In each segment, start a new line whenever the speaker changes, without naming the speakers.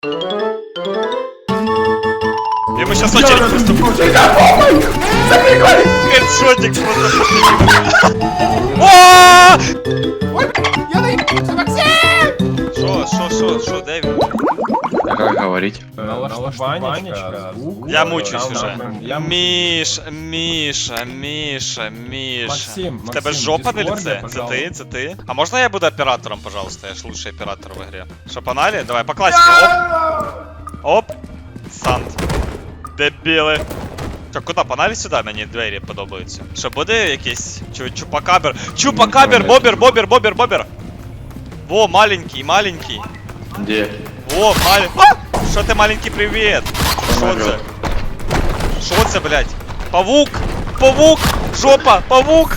Ему сейчас очередь просто будет. Хедшотик просто.
Ой, я наебался, Максим!
Шо, Дэвид?
А как говорить?
Налаштуванечка, звук.
Я мучусь уже.
Я
Міша.
Максим,
В тебе
Максим,
жопа на
Дискорде,
лице?
пожалуйста.
Це ти? А можна я буду оператором, пожалуйста? Я ж лучший оператор в игре. Що, погнали? Давай, по классике. Оп. Санд. Дебіли. Що, куди? Погнали сюди? Мені двері подобаються. Що, буде якийсь чупакабер? Чупакабер, бобер. Во, маленький.
Где?
О, Що ти маленький, привіт? Що це? Що це, блядь? Павук! Жопа! Павук!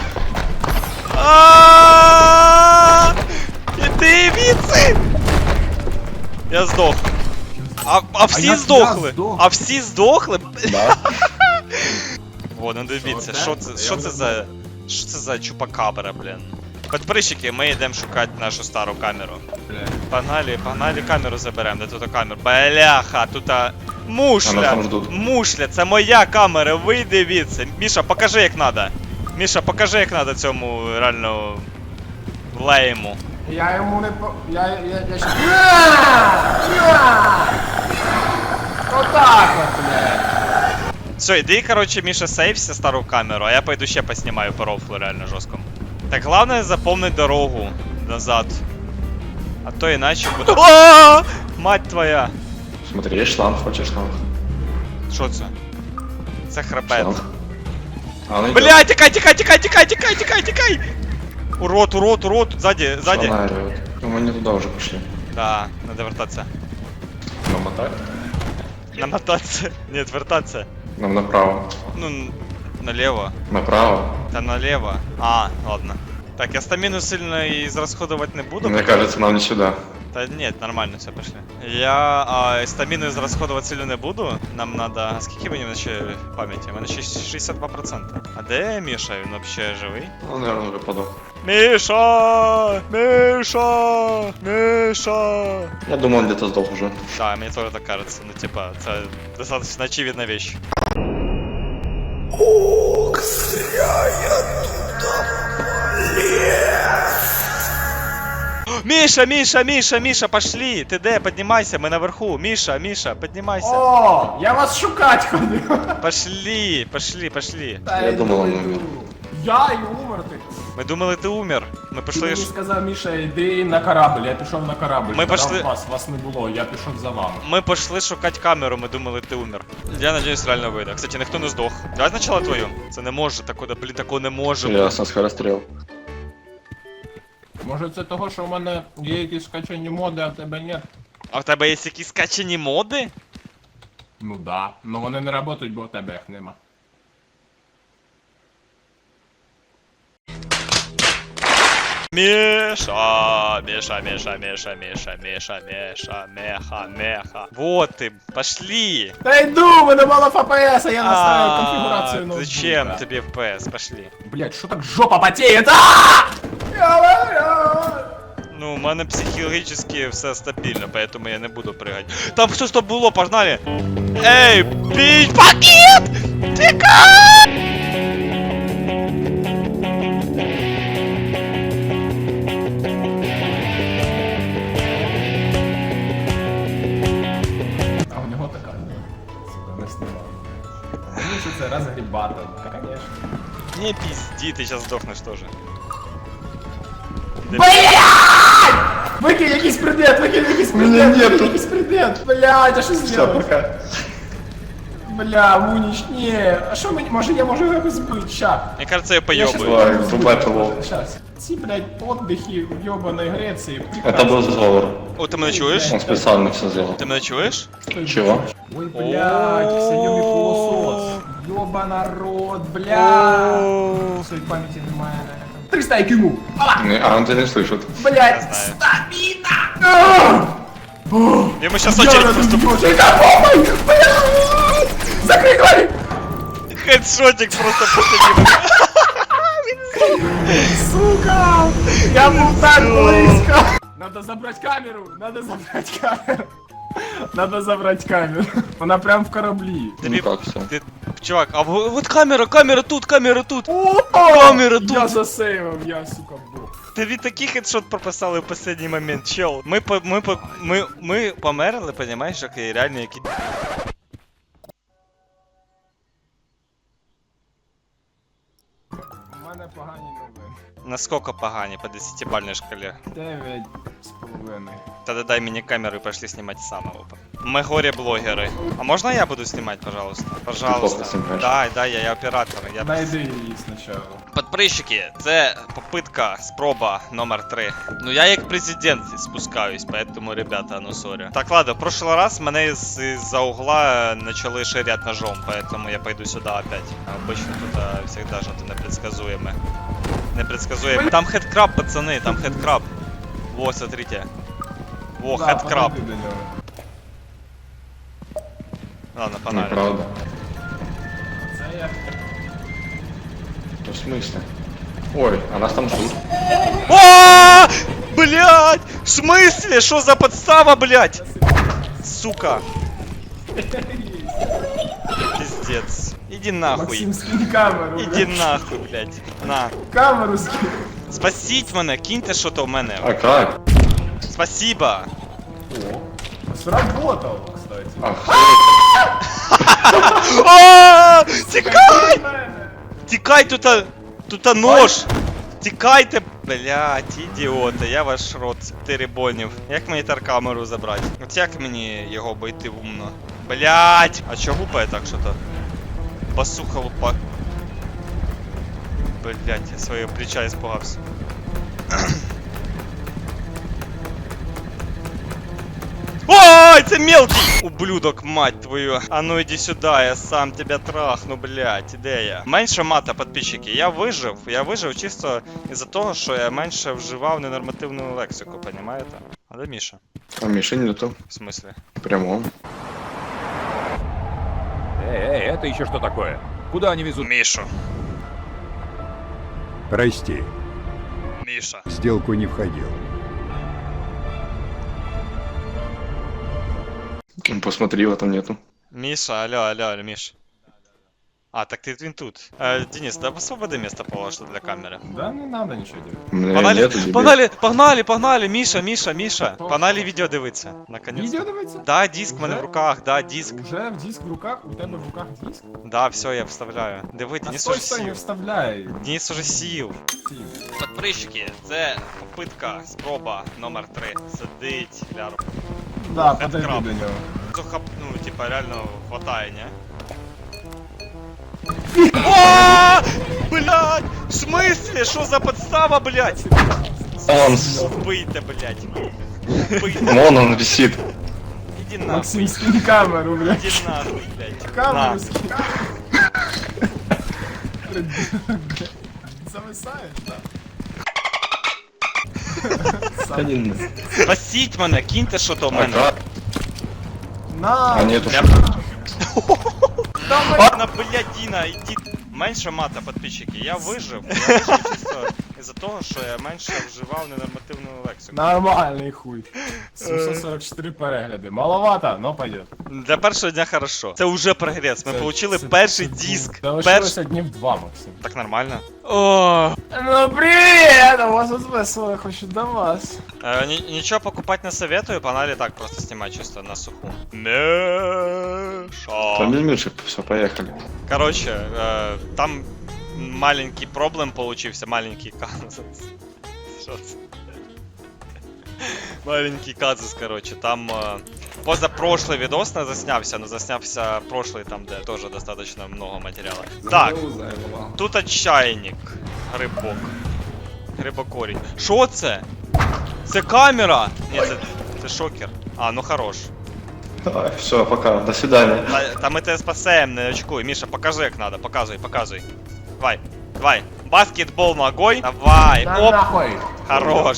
Іди віці! Я здох. А всі
як
здохли?
я здох?
А всі здохли?
Да.
О, ну дивіться,
Що
що це за чупакабра, блін. Подписчики, ми йдемо шукати нашу стару камеру. Погнали камеру заберемо, де тут камера. Бляха, тут
Нас там ждуть.
мушля, це моя камера, ви дивіться. Міша, покажи як надо. Міша, покажи як надо цьому реально лейму.
Я йому не по... Я ще... Отак от, блядь.
Все, іди, короче, Міша, сейвся стару камеру, а я пойду ще поснімаю по рофлу реально жорстко. Так главное запомнить дорогу назад. А то иначе буду... Мать твоя!
Смотри, есть шланг, хочешь шланг?
Що це? Це хребет.
Шланг. А, ну
Бля, тікай! Урод, сзади.
Шланг орёт. Ну мы не туда уже пошли.
Да, надо вертаться.
Намотать?
Намотаться. Нет, вертаться.
Нам направо.
Ну, налево.
Направо?
Да налево. Ладно. Так, я стамину сильно израсходовать не буду.
Мне кажется, нам не сюда.
Да нет, нормально, все, пошли. Я стамину израсходовать сильно не буду. Нам надо... А скільки мені ще пам'яті? У мене ще 62%. А де Міша? Він вообще живий?
Он, наверное, уже подох.
Миша!
Я думаю, он где-то сдох уже.
Да, мне тоже так кажется. Ну, типа, это достаточно очевидная вещь. Миша, пошли! Ты де? Поднимайся, мы наверху. Миша, поднимайся.
О, я вас шукать ходив.
Пошли.
Та
Я думал, он
йду.
умер.
Я і умер ти.
Ми думали, ти умер. Ми
Ти
пішли.
мені сказав, Міша, йди на корабль, я пішов на корабль.
Ми
Казав,
пішли-
Вас не було, я пішов за вами.
Ми пішли шукати камеру, ми думали, ти умер. Я надіюсь, реально вийде. Кстати, ніхто не здох. Давай спочатку твою. Це не може, такого не може.
Ясно, скорострел.
Може це того, що в мене є якісь скачані моди, а в тебе ні?
А в тебе є якісь скачані моди?
Ну да, ну вони не працюють, бо в тебе їх нема.
Меха. Вот ты, пошли.
Та йду, в мене мало ФПС, а я настраиваю конфігурацію ноутбука.
Зачем тебе FPS? Пошли.
Блять, що так жопа потеет?
Ну, у мене психологічно все стабільно, поэтому я не буду прыгать. Там все, що було, погнали! Ей, бій, пакет! Тікай!
А у нього така. Сука, не знімав. Мені що це розгрібати, конечно.
Не пизди, ты сейчас сдохнешь тоже.
Блять! Викинь якийсь предмет,
Мене нету.
викинь якийсь предмет. Блять, а що
Все,
зробити?
пока.
Бля, Мунич, ні. А що мені, може я можу його збити, ща.
Мне кажется, я
Я щас-
поёбаю.
Давай, врубай ПВО.
Щас. Ці, блядь, отдихи в ёбаної Греції.
Это был сговор.
О, ты меня чуешь?
Он специально все сделал.
Ты меня чуешь?
Чего?
Ой, блядь, всейомий пылесос. Ёба народ, блядь. Своей памяти немає. 300 IQ. Ала!
А он тебя не слышит.
Я
Блядь,
знаю.
стамина!
Ему сейчас очередь поступит.
Закрой двери!
Хедшотик просто после него.
Надо забрать камеру. Она прям в кораблі.
Тобі,
Ну как все?
ти, чувак, а вот камера тут, камера тут.
О,
Камера тут.
Я засейвив, я, сука, бог.
Тобі такий хедшот прописали в останній момент, чел. Ми померли, понімаєш, як і реально які...
У мене погані новини.
Насколько погані по 10-бальній шкалі?
9,5.
Тогда дай мне камеру и пошли снимать самого. Мы горе-блогеры. А можно я буду снимать, пожалуйста? Пожалуйста.
плохо снимаешь.
Да, я оператор. Я...
Найди її спочатку.
Подписчики, це попытка, спроба номер 3. Ну я як президент спускаюсь, поэтому, ребята, ну сорі. Так, ладно, в прошлый раз мене из-за угла начали ширять ножом, поэтому я пойду сюда опять. Обычно тут всегда что-то непредсказуемое. Непредсказуемое. Там хедкраб, пацаны, там хедкраб. Во, смотрите. Во,
Да,
хедкраб.
подойди до нього.
Ладно, погнали.
Неправда.
Це я.
Ну, в смысле? Ой, а нас там ждут.
О, блядь! В смысле? Что за подстава, блядь? Сука. Пиздец. Иди нахуй.
Максим, скинь камеру.
Иди нахуй, блядь. На.
Камеру скинь.
Спасіть мене, киньте що-то в мене.
А как?
Спасибо.
О, сработало, кстати.
Ах,
О, тікай! Тікай, тут нож. Тікайте, блядь, ідіоти, я ваш рот теребонів. Як мені таркамеру забрати? От як мені його обійти умно? Блядь! А чого гупає так що-то? Басуха лупа. Блядь, я своего плеча испугался. Ой, це мелкий! Ублюдок, мать твою. А ну иди сюда, я сам тебя трахну, блядь, де я? Менше мата, підписчики. Я вижив чисто із-за того, що я менше вживав ненормативну лексику, понімаєте? А де Міша?
а Миши нету.
В смысле?
Прямо.
Эй, это еще что такое? Куда они везут?
Мішу.
Прости,
Міша.
в сделку не входил.
Ну, посмотри, его там нету.
Миша, алло, Миш. А, так він тут. Денис, да освободи место положено для камеры.
Да не надо нічого делать.
У меня
Погнали,
нету тебе.
погнали, Міша. Погнали відео дивитися, наконец.
Відео дивиться?
Да, диск в мене в руках, да, диск.
Уже в диск в руках? У тебе в руках диск?
Да, все, я вставляю. Диви,
А
Денис
стой,
уже
стой, не
сів.
вставляй.
Денис уже сів.
Сів.
Подписчики, це попитка, спроба номер 3. Сидить, ляр.
Да, подойди
краб.
до нього.
Ну, типа, реально хватає, не? О, блядь! В смысле? Что за подстава, блядь?
Он,
Вбийте, блядь. Вбийте.
вон он висит.
Иди нахуй.
Максим, скинь камеру, блядь.
Иди нахуй, блядь.
Камеру
На.
скинь. Зависаєш, так?
Один.
Спасіть мене, киньте що-то в
А
мене.
как?
На!
А нету.
Я...
Давай!
На блядіна, іди. Менше мата, підписчики. Я вижив чисто із-за того, що я менше вживав ненормативну лексику.
Нормальний хуй. 744 перегляди. Маловато, но пойдет.
Для першого дня хорошо. Це вже прогрес. Ми
Це-
получили
це-
перший
це-
диск.
Залишилося днів 2, Максим.
Так нормально. О,
Ну привет! У вас тут весело, хочу до вас.
нічого покупати не советую, погнали так просто знімати чисто на суху.
Там
Меша.
без Миши, все, поехали.
Короче, там маленький проблем получился, маленький казус. Що це? Маленький казус, короче, там позапрошлый видос не заснявся, но заснявся прошлый, там де тоже достаточно много материала. Так, тут чайник, грибок, грибокорінь. Що це? Це камера? Ні, це шокер. А, ну хорош.
Давай, все, пока, до свидания.
Та ми тебе спасем, не очкуй. Міша, покажи як надо, показуй. Давай. Баскетбол ногой. Давай,
На
оп,
нахуй!
хорош.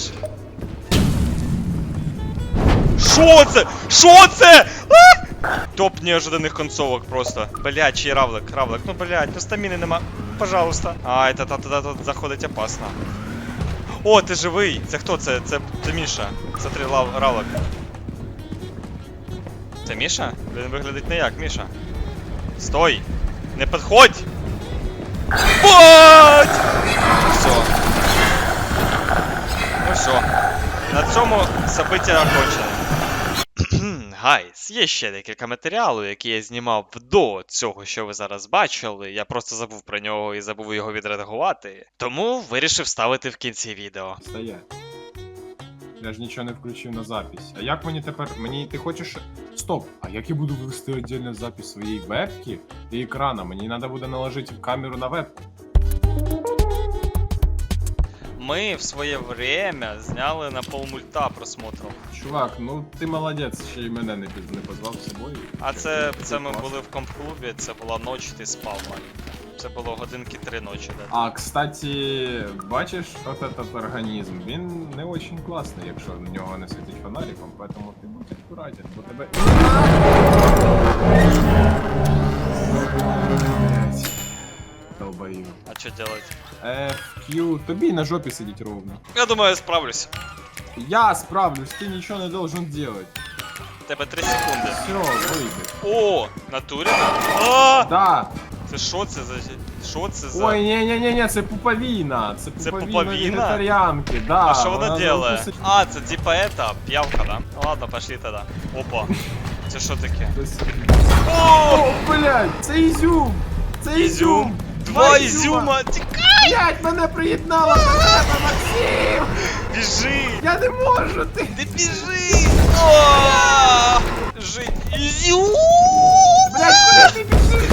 Шо це? А! Топ неожиданных концовок просто. Блядь, чий равлик. Ну блядь, ну стаміни нема. Пожалуйста. А, это тут заходить опасно. О, ти живий. Це хто? Це Міша. Смотри, равлик. Це Міша? Він виглядить не як Міша. Стой! Не підходь! Бать! Все. Ну все. На цьому события окончено. Гайс, є ще декілька матеріалу, які я знімав до цього, що ви зараз бачили. Я просто забув про нього і забув його відредагувати. Тому вирішив ставити в кінці відео.
Стоять. Я ж нічого не включив на запись. А як мені тепер. Мені ти хочеш. Стоп! А як я буду вести віддільну запись своєї вебки і екрана? Мені треба буде наложити камеру на вебку.
Ми в своє время зняли на полмульта просмотром.
Чувак, ну ти молодець, ще й мене не позвав з собою.
А це ми були в комп-клубі, це була ніч, ти спав маленько. Це було годинки 3 ночі, да.
А, кстати, бачиш, от этот організм, він не очень класний, якщо в нього не світить фонариком, поэтому ти будь акуратен, бо тебе... Блять. Долбою.
А що делать?
FQ, тобі на жопі сидіть ровно.
Я думаю, я справлюсь.
Я справлюсь, ты ничего не должен делать.
У тебе 3 секунди.
Все, выйди.
О, натурі? А!
Да.
Це що це за... Що це за...
Ой, не-не-не, це пуповина. Це
пуповина?
вегетаріанки, да.
А що вона делає?
укусить-
А, це типа это, п'явка, да? Ну ладно, пошли тогда. Опа. Це що таке?
О, блядь, це ізюм. Це ізюм.
Два ізюма! Тікай!
Блядь, мене приєднало до тебе, Максим.
Біжи!
Я не можу, ти.
Ти біжи! О! Жить! Ізюм!
Блядь, куди ти біжиш?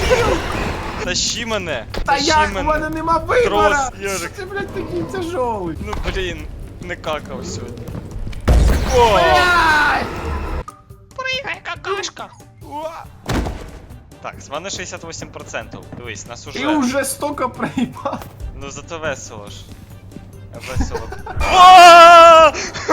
Тащи мене!
Та
Тащи
як, у
мене!
мене нема вибора.
Трос, Ярик.
Ти, блядь, такий тяжелий.
Ну блін, не какав сьогодні. О!
Блядь.
Пригай, какашка! Так, з мене 68%. Дивись, нас
Ти
уже...
уже столько проїбав.
Ну зато весело ж. Весело. О!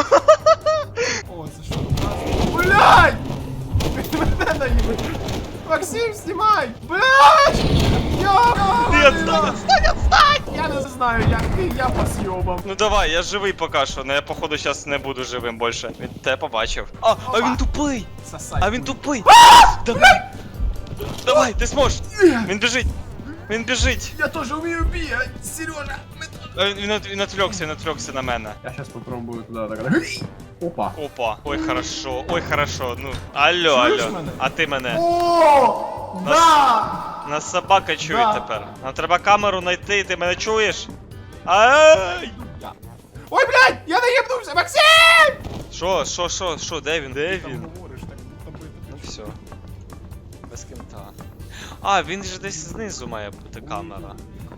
О, це що? Блядь! Мене наїбать. Максим, знімай! Блядь!
Ні, отстань, отстань!
Я не знаю, як ти, я по зйобам.
Ну давай, я живий поки що, но я походу зараз не буду живим більше. Він тебе побачив. А він тупий!
Сосай.
А він тупий! Давай! Давай, ти зможеш! Він біжить! Він біжить!
Я теж вмію бігати, Сережа.
Він отвлекся на мене.
Я сейчас попробую туда так. Опа.
Опа, ой хорошо, ну, алло,
Чуєш
алло,
мене?
а ти мене.
О! Да!
Нас собака чує
Да.
тепер. Нам треба камеру знайти, ти мене чуєш? Ай!
Ой, блядь, я наїбнувся, Максим!
Що, де він? Де він?
Говориш, так, будто би
Ну все. Без кінта. А, він же десь знизу має бути камера.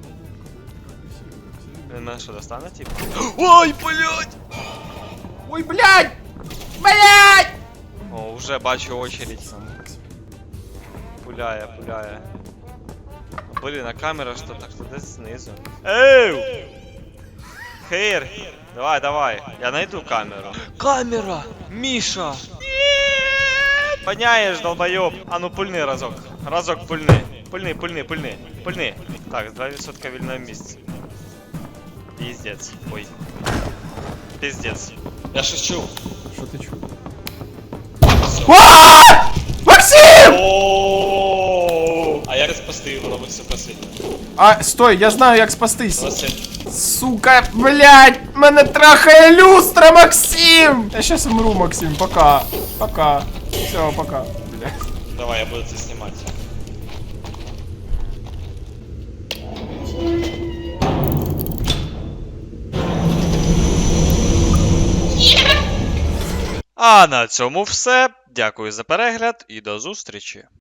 Він мене що, достане, типу? Ой, блядь!
Ой, блядь! Блядь!
О, уже бачу очередь. Пуляє. Блін, а камера що так, що десь знизу. Ей! Хейр! Давай, я найду камеру. Камера! Міша! Поняєш, долбойоб! А ну пульни разок. Разок пульни. Пульни. Так, 2% вільного місця. Пиздец. Ой. Пиздец. Я щось чув.
Що ти чув?
Максим! А як спасти його робиться посильно?
А, стой, я знаю, як спастись.
Василь.
Сука, блядь, мене трахає люстра, Максим! Я щас умру, Максим, пока. Пока. Все, пока. Блядь.
Давай, я буду це знімати. А на цьому все. Дякую за перегляд і до зустрічі.